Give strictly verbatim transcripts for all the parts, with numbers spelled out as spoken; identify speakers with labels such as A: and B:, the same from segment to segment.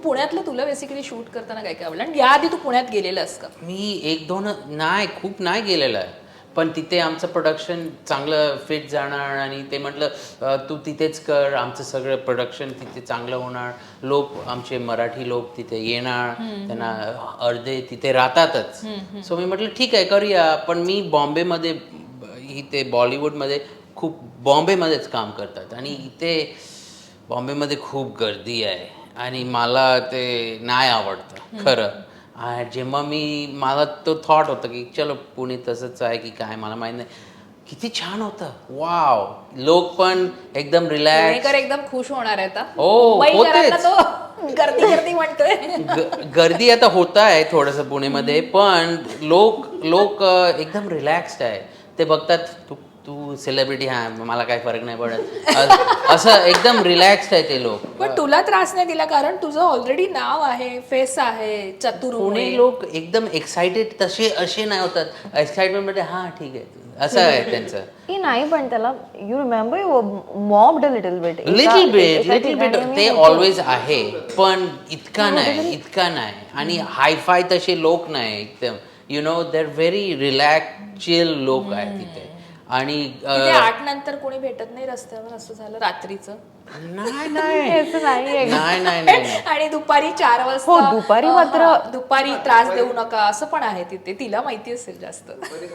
A: पुण्यातलं तुला basically shoot करताना काय काय आवडलं आणि याआधी तू पुण्यात गेलेलास का?
B: मी एक दोन नाही खूप नाही गेलेलं आहे, पण तिथे आमचं प्रोडक्शन चांगलं फिट जाणार आणि ते म्हटलं तू तिथेच कर, आमचं सगळं प्रोडक्शन तिथे चांगलं होणार. लोक आमचे मराठी लोक तिथे येणार, त्यांना अर्धे तिथे राहतातच. सो मी म्हटलं ठीक आहे करूया. पण मी बॉम्बेमध्ये इथे बॉलिवूडमध्ये खूप बॉम्बेमध्येच काम करतात आणि इथे बॉम्बेमध्ये खूप गर्दी आहे आणि मला ते नाही आवडतं खरं. जेव्हा मी मला तो थॉट होता की चलो पुणे तसंच आहे की काय मला माहीत नाही, किती छान होतं. वाव, लोक पण एकदम रिलॅक्स,
A: एकदम खुश होणार आहे आता.
B: हो होतेच.
A: गर्दी गर्दी म्हणतोय.
B: गर्दी आता होत आहे थोडंसं पुणेमध्ये, पण लोक लोक एकदम रिलॅक्स्ड आहे. ते बघतात तू तू सेलिब्रिटी, हा मला काही फरक नाही पडत, असं एकदम रिलॅक्स्ड आहे ते लोक.
A: पण तुला त्रास नाही दिला कारण तुझं ऑलरेडी नाव आहे, फेस आहे, चतुर.
B: पुणे लोक एकदम एक्साइटेड तसे असे नाही होतात. एक्साइटमेंट मध्ये हा ठीक आहे असं आहे त्यांचं.
C: की नाही पण त्याला you remember you mobbed a little bit
B: little bit little bit ते ऑलवेज आहे, पण इतका नाही इतका नाही. आणि हायफाय तसे लोक नाही एकदम, you know they are very relax chill लोक आहेत तिथे. आणि
A: आठ नंतर कोणी भेटत नाही रस्त्यावर असं झालं रात्रीचं?
B: नाही नाही नाही नाही.
A: आणि दुपारी चार वाजता
C: हो दुपारी मात्र
A: दुपारी त्रास देऊ नका असं पण आहे तिथे, तिला माहिती असेल जास्त.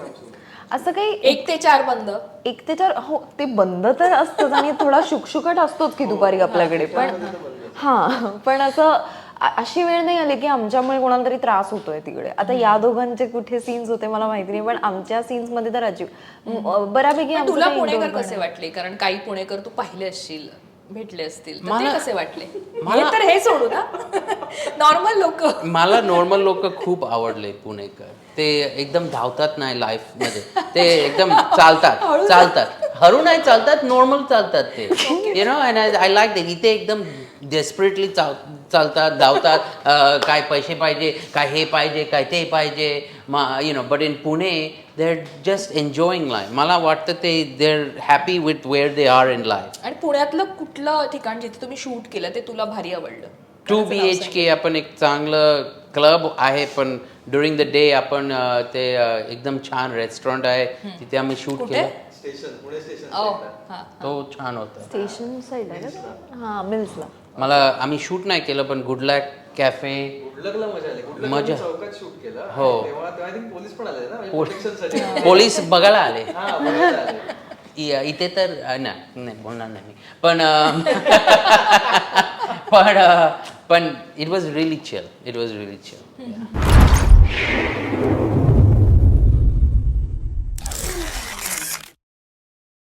C: असं काही
A: एक ते चार बंद,
C: एक ते चार हो ते बंद तर असतंच आणि थोडा शुकशुकाट असतोच की दुपारी आपल्याकडे. पण हां पण असं अशी वेळ नाही आली की आमच्यामुळे कोणाला तरी त्रास होतोय तिकडे. आता या दोघांचे कुठे सीन्स होते मला माहिती नाही, पण आमच्या सीन्स मध्ये तर अजीब बऱ्यापैकी.
A: तुला पुणेकर कसे वाटले? कारण काही पुणेकर तू पाहिले असशील, भेटले असतील, तर ते कसे वाटले? मला तर हे सोडू ना, नॉर्मल लोक. मला
B: नॉर्मल लोक खूप आवडले पुणेकर. ते एकदम धावतात नाही लाईफ मध्ये, ते एकदम चालतात चालतात हरू नाही चालतात, नॉर्मल चालतात ते, you know. And I like that. इथे एकदम डेस्परेटली चाल चालतात धावतात, काय पैसे पाहिजे, काय हे पाहिजे, काय ते पाहिजे, you know. But in Pune they are just enjoying life. मला वाटतं ते they are happy with where they are in life.
A: आणि पुण्यातलं कुठलं ठिकाण जिथे तुम्ही शूट केलं ते तुला भारी आवडलं?
B: टू बी एच के आपण एक चांगलं क्लब आहे, पण ड्युरिंग द डे आपण ते एकदम छान रेस्टॉरंट आहे तिथे आम्ही शूट केलं. तो छान होता.
C: स्टेशन साईड आहे का? हां मिल्सला.
B: मला आम्ही शूट नाही केलं, पण गुड लक कॅफे मजा. हो पोलीस बघायला आले इथे तर नाही बोलणार नाही पण पण पण it was really chill. It was really chill.